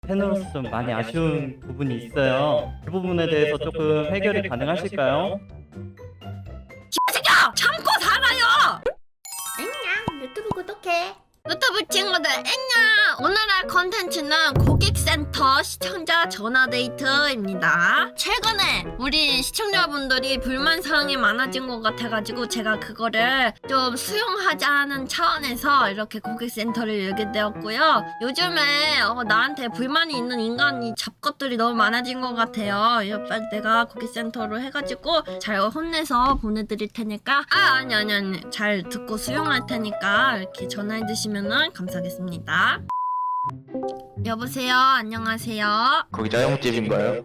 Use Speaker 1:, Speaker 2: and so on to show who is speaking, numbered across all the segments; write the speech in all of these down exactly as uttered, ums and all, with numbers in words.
Speaker 1: 팬으로서 좀 많이 아쉬운 부분이 있어요. 그 부분에 대해서 조금 해결이 가능하실까요?
Speaker 2: 새끼야! 참고 살아요!
Speaker 3: 안녕, 유튜브 구독해.
Speaker 2: 유튜브 친구들 안녕! 오늘의 컨텐츠는 고객센터 시청자 전화데이트입니다. 최근에 우리 시청자분들이 불만사항이 많아진 것 같아가지고 제가 그거를 좀 수용하자는 차원에서 이렇게 고객센터를 열게 되었고요. 요즘에 어, 나한테 불만이 있는 인간이 잡것들이 너무 많아진 것 같아요. 이거 빨리 내가 고객센터로 해가지고 잘 혼내서 보내드릴 테니까 아 아니 아니 아니 잘 듣고 수용할 테니까 이렇게 전화해 주시면 감사하겠습니다. 여보세요. 안녕하세요.
Speaker 4: 거기 짜장집인가요?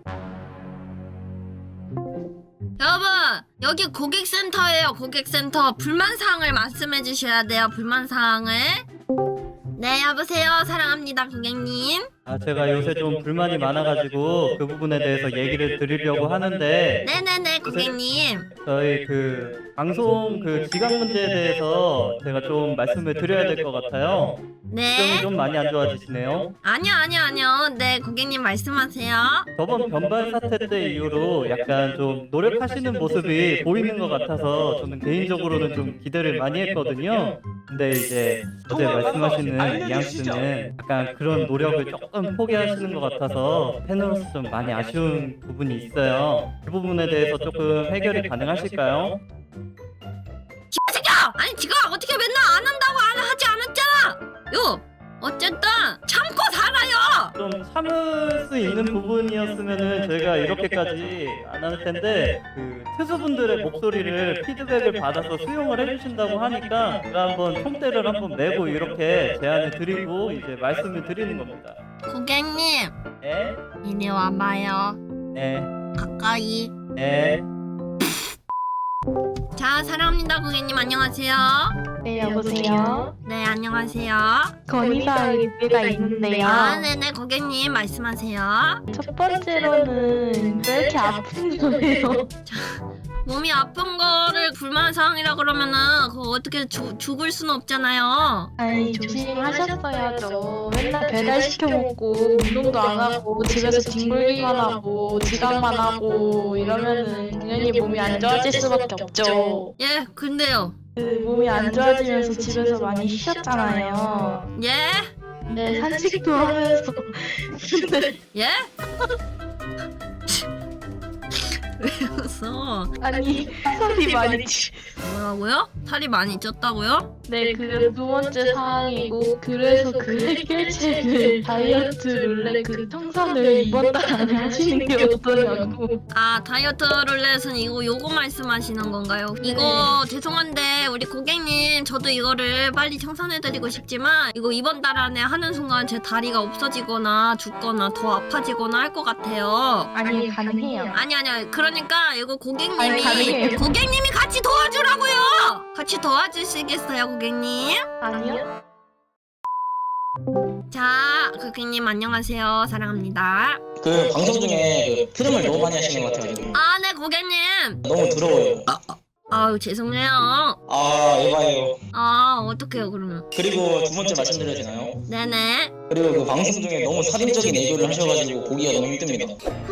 Speaker 2: 여러분 여기 고객센터예요. 고객센터 불만사항을 말씀해 주셔야 돼요. 불만사항을. 네 여보세요. 사랑합니다 고객님.
Speaker 1: 아, 제가 요새 좀 불만이 많아가지고 그 부분에 대해서 얘기를 드리려고 하는데
Speaker 2: 네네네 고객님.
Speaker 1: 저희 그 방송 그 지각 문제에 대해서 제가 좀 말씀을 드려야 될 것 같아요.
Speaker 2: 네.
Speaker 1: 표정이 좀 많이 안 좋아지시네요.
Speaker 2: 아니요 아니요 아니요. 네 고객님 말씀하세요.
Speaker 1: 저번 변발 사태 때 이후로 약간 좀 노력하시는 모습이 보이는 것 같아서 저는 개인적으로는 좀 기대를 많이 했거든요. 근데 이제 어제 말씀하시는 이양 씨는 약간 그런 노력을 조금 포기하시는 것 같아서 팬으로서 좀 많이 아쉬운 부분이 있어요. 그 부분에 대해서 조금 해결이 가능하실까요?
Speaker 2: 새끼야! 아니 지가 어떻게 맨날 안 한다고 안 하지 않았잖아. 요 어쨌든 참고 살아요.
Speaker 1: 좀 참을 수 있는 부분이었으면은 저희가 이렇게까지 안 할 텐데 그 투수분들의 목소리를 피드백을 받아서 수용을 해주신다고 하니까 제가 한번 총대를 한번 메고 이렇게 제안을 드리고 이제 말씀을 드리는 겁니다.
Speaker 2: 고객님
Speaker 1: 네,
Speaker 2: 이리 와봐요.
Speaker 1: 네,
Speaker 2: 가까이.
Speaker 1: 네.
Speaker 2: 자 사랑합니다 고객님 안녕하세요.
Speaker 3: 네, 여보세요.
Speaker 2: 네 안녕하세요.
Speaker 3: 건의사항 의뢰가 있는데요.
Speaker 2: 아 네네 고객님 말씀하세요.
Speaker 3: 첫 번째로는 왜 이렇게 아픈 거예요?
Speaker 2: 몸이 아픈 거를 불만사항이라 그러면은 그거 어떻게 주, 죽을 수는 없잖아요.
Speaker 3: 아니, 조심하셨어야죠. 맨날 배달 시켜 먹고 운동도 안 하고 집에서 뒹굴기만 하고 지각만 하고 이러면은 당연히 몸이 안 좋아질 수밖에 없죠.
Speaker 2: 예 근데요.
Speaker 3: 그 몸이 안 좋아지면서 집에서 많이 쉬셨잖아요.
Speaker 2: 예?
Speaker 3: 네, 산책도 하면서. 근데
Speaker 2: 예? 왜 웃어?
Speaker 3: 아니, 살이 많이 찌.
Speaker 2: 뭐라고요? 살이 많이 쪘다고요?
Speaker 3: 네, 그 두 번째 사항이고, 그래서 그 해결책을 다이어트 룰렛 그 청산을 이번 달 안에 하시는 게 어떠냐고.
Speaker 2: 아 다이어트 룰렛은 이거 요거 말씀하시는 건가요? 이거 죄송한데 우리 고객님 저도 이거를 빨리 청산해드리고 싶지만 이거 이번 달 안에 하는 순간 제 다리가 없어지거나 죽거나 더 아파지거나 할 것 같아요.
Speaker 3: 아니, 가능해요.
Speaker 2: 아니 아니야 그러니까 이거
Speaker 3: 아니,
Speaker 2: 고객님이
Speaker 3: 가능해요.
Speaker 2: 고객님이 같이 도와주라고요. 같이 도와주시겠어요 고객님?
Speaker 3: 아니요?
Speaker 2: 자 고객님 안녕하세요 사랑합니다.
Speaker 4: 그 방송 중에 그 트름을 너무 많이 하시는 것 같아가지고
Speaker 2: 아 네 고객님.
Speaker 4: 너무 더러워요.
Speaker 2: 아유 죄송해요.
Speaker 4: 아 에바예요.
Speaker 2: 아 어떡해요 그러면.
Speaker 4: 그리고 두 번째 말씀드려도 되나요?
Speaker 2: 네네.
Speaker 4: 그리고 그 방송 중에 너무 살인적인 애교를 하셔가지고 보기가 너무 힘듭니다.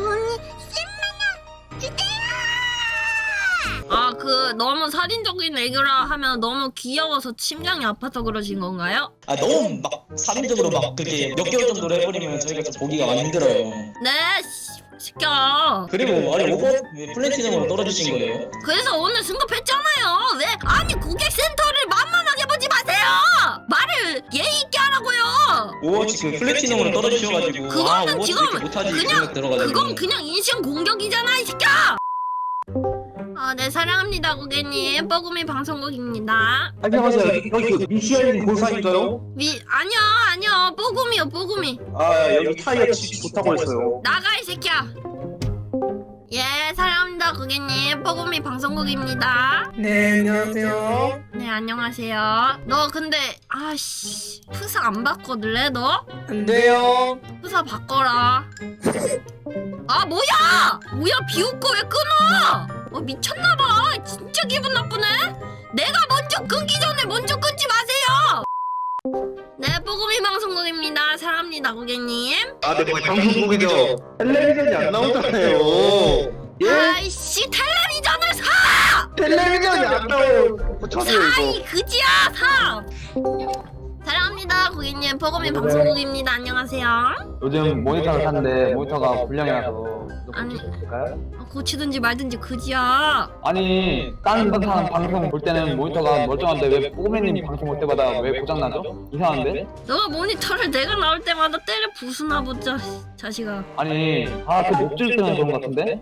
Speaker 2: 아 그 너무 살인적인 애교라 하면 너무 귀여워서 심장이 아파서 그러신 건가요?
Speaker 4: 아 너무 막 살인적으로 막 그렇게 몇 개월 정도로 해버리면 저희가 좀 보기가 많이 힘들어요.
Speaker 2: 네 씨, 시켜.
Speaker 4: 그리고 아니 오버 왜 플래티넘으로 떨어지신 거예요?
Speaker 2: 그래서 오늘 승급했잖아요. 왜? 아니 고객센터를 만만하게 보지 마세요. 말을 예의 있게 하라고요.
Speaker 4: 오버워치 그 플래티넘으로 떨어지셔가지고
Speaker 2: 그거는
Speaker 4: 아 오버워치
Speaker 2: 지금
Speaker 4: 이렇게 못하지
Speaker 2: 그냥-
Speaker 4: 생각 들어가지고
Speaker 2: 그건 그냥 인신 공격이잖아 이 새끼야. 아, 네 사랑합니다 고객님. 뻐구미 방송국입니다.
Speaker 5: 안녕하세요. 여기, 여기 그 미시엘린 본사인가요?
Speaker 2: 미 아니요 아니요 뻐구미요 뻐구미.
Speaker 5: 아 여기 타이어 치 좋다고 했어요.
Speaker 2: 나가 이 새끼야. 예 사랑합니다 고객님. 뻐구미 방송국입니다.
Speaker 6: 네, 안녕하세요.
Speaker 2: 네 안녕하세요. 너 근데 아씨 프사 안 바꿔둘래 너?
Speaker 6: 안 돼요.
Speaker 2: 프사 바꿔라. 아 뭐야? 뭐야 비웃고 왜 끊어? 어 미쳤나봐. 진짜 기분 나쁘네. 내가 먼저 끊기 전에 먼저 끊지 마세요. 네 뽀금이 방송국입니다. 사랑합니다, 고객님.
Speaker 5: 아, 네, 방송국이죠. 텔레비전이 안 나오잖아요. 예?
Speaker 2: 아이씨, 텔레비전을 사!
Speaker 5: 텔레비전이 안 나와요. 저도요,
Speaker 2: 사,
Speaker 5: 이거.
Speaker 2: 이 그지야, 사! 사랑합니다, 고객님. 뽀금이 방송국입니다. 안녕하세요.
Speaker 7: 요즘 모니터를 샀는데 모니터가 불량이 나서
Speaker 2: 아니.
Speaker 7: 고칠 수 있을까요?
Speaker 2: 아, 고치든지 말든지 그지야.
Speaker 7: 아니 다른 사람 방송 볼 때는 모니터가 멀쩡한데 왜 뽀금이님 방송 볼 때마다 왜 고장나죠? 이상한데?
Speaker 2: 너가 모니터를 내가 나올 때마다 때려 부수나 보자, 자식아.
Speaker 7: 아니 아그 목줄 때문에 그런 것 같은데?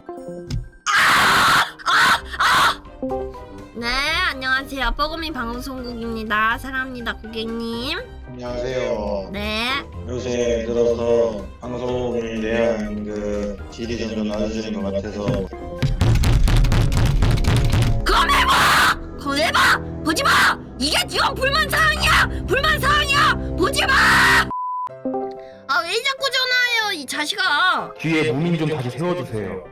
Speaker 2: 네, 안녕하세요. 뽀금이 방송국입니다. 사랑합니다, 고객님.
Speaker 8: 안녕하세요.
Speaker 2: 네.
Speaker 8: 요새 들어서 방송을 대한 그 질이 점점 낮아지는 것 같아서
Speaker 2: 그거 내봐! 그거 내봐! 보지 마! 이게 지금 불만 사항이야! 불만 사항이야! 보지 마! 아, 왜 자꾸 전화해요, 이 자식아!
Speaker 9: 뒤에 무민 좀 다시 세워주세요.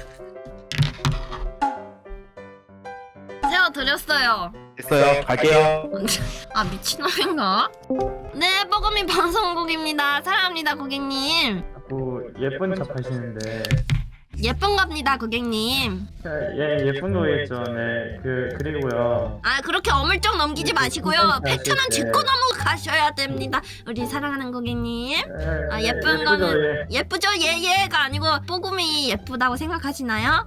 Speaker 2: 세워드렸어요.
Speaker 9: 됐어요. 갈게요.
Speaker 2: 아, 미친놈인가? 네, 뽀금이 방송국입니다. 사랑합니다, 고객님.
Speaker 1: 자꾸 예쁜 척 하시는데
Speaker 2: 예쁜 겁니다, 고객님.
Speaker 1: 예 예쁜 거겠죠. 네. 그 그리고요.
Speaker 2: 아, 그렇게 어물쩍 넘기지 마시고요. 팩트는 짚고 넘어가셔야 됩니다. 우리 사랑하는 고객님. 아, 예쁜 거는 예쁘죠? 예예가 아니고 뽀금이 예쁘다고 생각하시나요?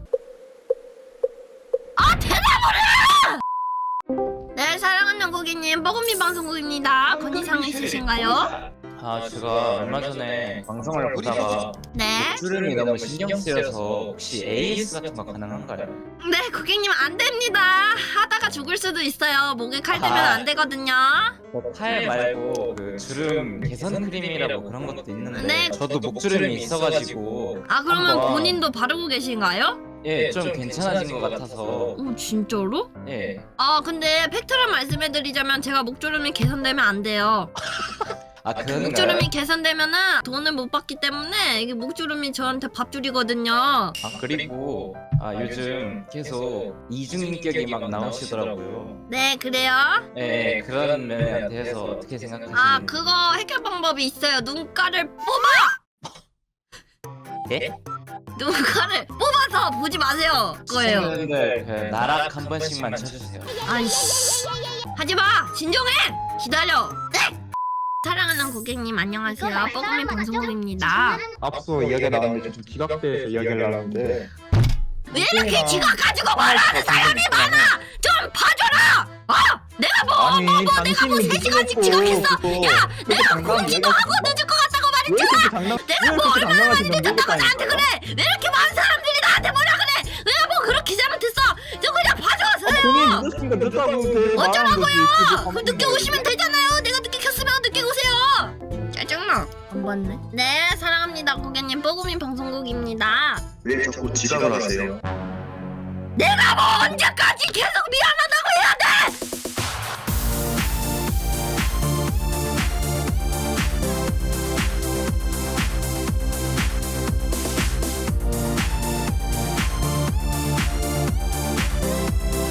Speaker 2: 아, 대답을 해! 네, 사랑하는 고객님, 뽀금이 방송국입니다. 건의사항 있으신가요?
Speaker 10: 아, 제가 얼마 전에 방송을 보다가
Speaker 2: 네.
Speaker 10: 주름이 너무 신경 쓰여서 혹시 에이에스 같은 거 가능한가요?
Speaker 2: 네, 고객님 안 됩니다. 하다가 죽을 수도 있어요. 목에 칼 대면 안 되거든요.
Speaker 10: 팔 말고 그 주름 개선 크림이라고 그런 것도 있는데
Speaker 2: 네.
Speaker 10: 저도 목주름이 있어가지고
Speaker 2: 아, 그러면
Speaker 10: 한번-
Speaker 2: 본인도 바르고 계신가요?
Speaker 10: 예, 좀 괜찮아진 것 같아서
Speaker 2: 오, 진짜로?
Speaker 10: 예.
Speaker 2: 아, 근데 팩트를 말씀해드리자면 제가 목주름이 개선되면 안 돼요.
Speaker 10: 아, 그런가요?
Speaker 2: 목주름이 개선되면은 돈을 못 받기 때문에 이게 목주름이 저한테 밥줄이거든요.
Speaker 10: 아, 그리고 아, 요즘 계속 이중인격이 막 나오시더라고요.
Speaker 2: 네, 그래요?
Speaker 10: 예, 예, 그런 면에 대해서 어떻게 생각하시는지.
Speaker 2: 아, 그거 해결 방법이 있어요. 눈가를 뽑아!
Speaker 10: 예?
Speaker 2: 눈가를 뽑아서 보지 마세요. 그거예요.
Speaker 10: 시청자분들 그 나락 한 번씩만 쳐주세요.
Speaker 2: 아이씨. 하지마! 진정해! 기다려. 네! 사랑하는 고객님 안녕하세요. 뽀금이 방송국입니다.
Speaker 9: 앞서 이야기가 나왔는데 좀 지각돼서 이야기를 나왔는데
Speaker 2: 왜 이렇게 지가 가지고 말하는 사람이 많아! 좀 봐줘라! 어! 내가 뭐,
Speaker 9: 아니,
Speaker 2: 뭐, 뭐, 내가 뭐
Speaker 9: 당신이
Speaker 2: 세 시간씩
Speaker 9: 늦어놓고
Speaker 2: 지각했어!
Speaker 9: 그거
Speaker 2: 야!
Speaker 9: 그렇게
Speaker 2: 내가
Speaker 9: 장난
Speaker 2: 공지도
Speaker 9: 얘기하지
Speaker 2: 하고
Speaker 9: 마.
Speaker 2: 늦을 것 같다고
Speaker 9: 왜
Speaker 2: 말했잖아!
Speaker 9: 그렇게 장난
Speaker 2: 내가
Speaker 9: 왜
Speaker 2: 뭐
Speaker 9: 그렇게
Speaker 2: 얼마나 많이
Speaker 9: 장난하시는
Speaker 2: 늦었다고
Speaker 9: 모르겠다니까.
Speaker 2: 나한테 그래! 왜 이렇게 많은 사람들이 나한테 뭐라 그래! 내가 뭐 그렇게 잘못했어! 저 그냥 봐줘서요!
Speaker 9: 본인 늦었으니까 늦다고 계속 말하는 거지.
Speaker 2: 어쩌라고요! 그 늦게 오시면 되잖아요! 내가 늦게 켰으면 늦게 오세요! 짜증나! 안 봤네. 네, 사랑합니다 고객님. 뽀금이 방송국입니다.
Speaker 5: 왜 자꾸 지각을 하세요?
Speaker 2: 내가 뭐 언제까지 계속 미안하다고 해야 돼!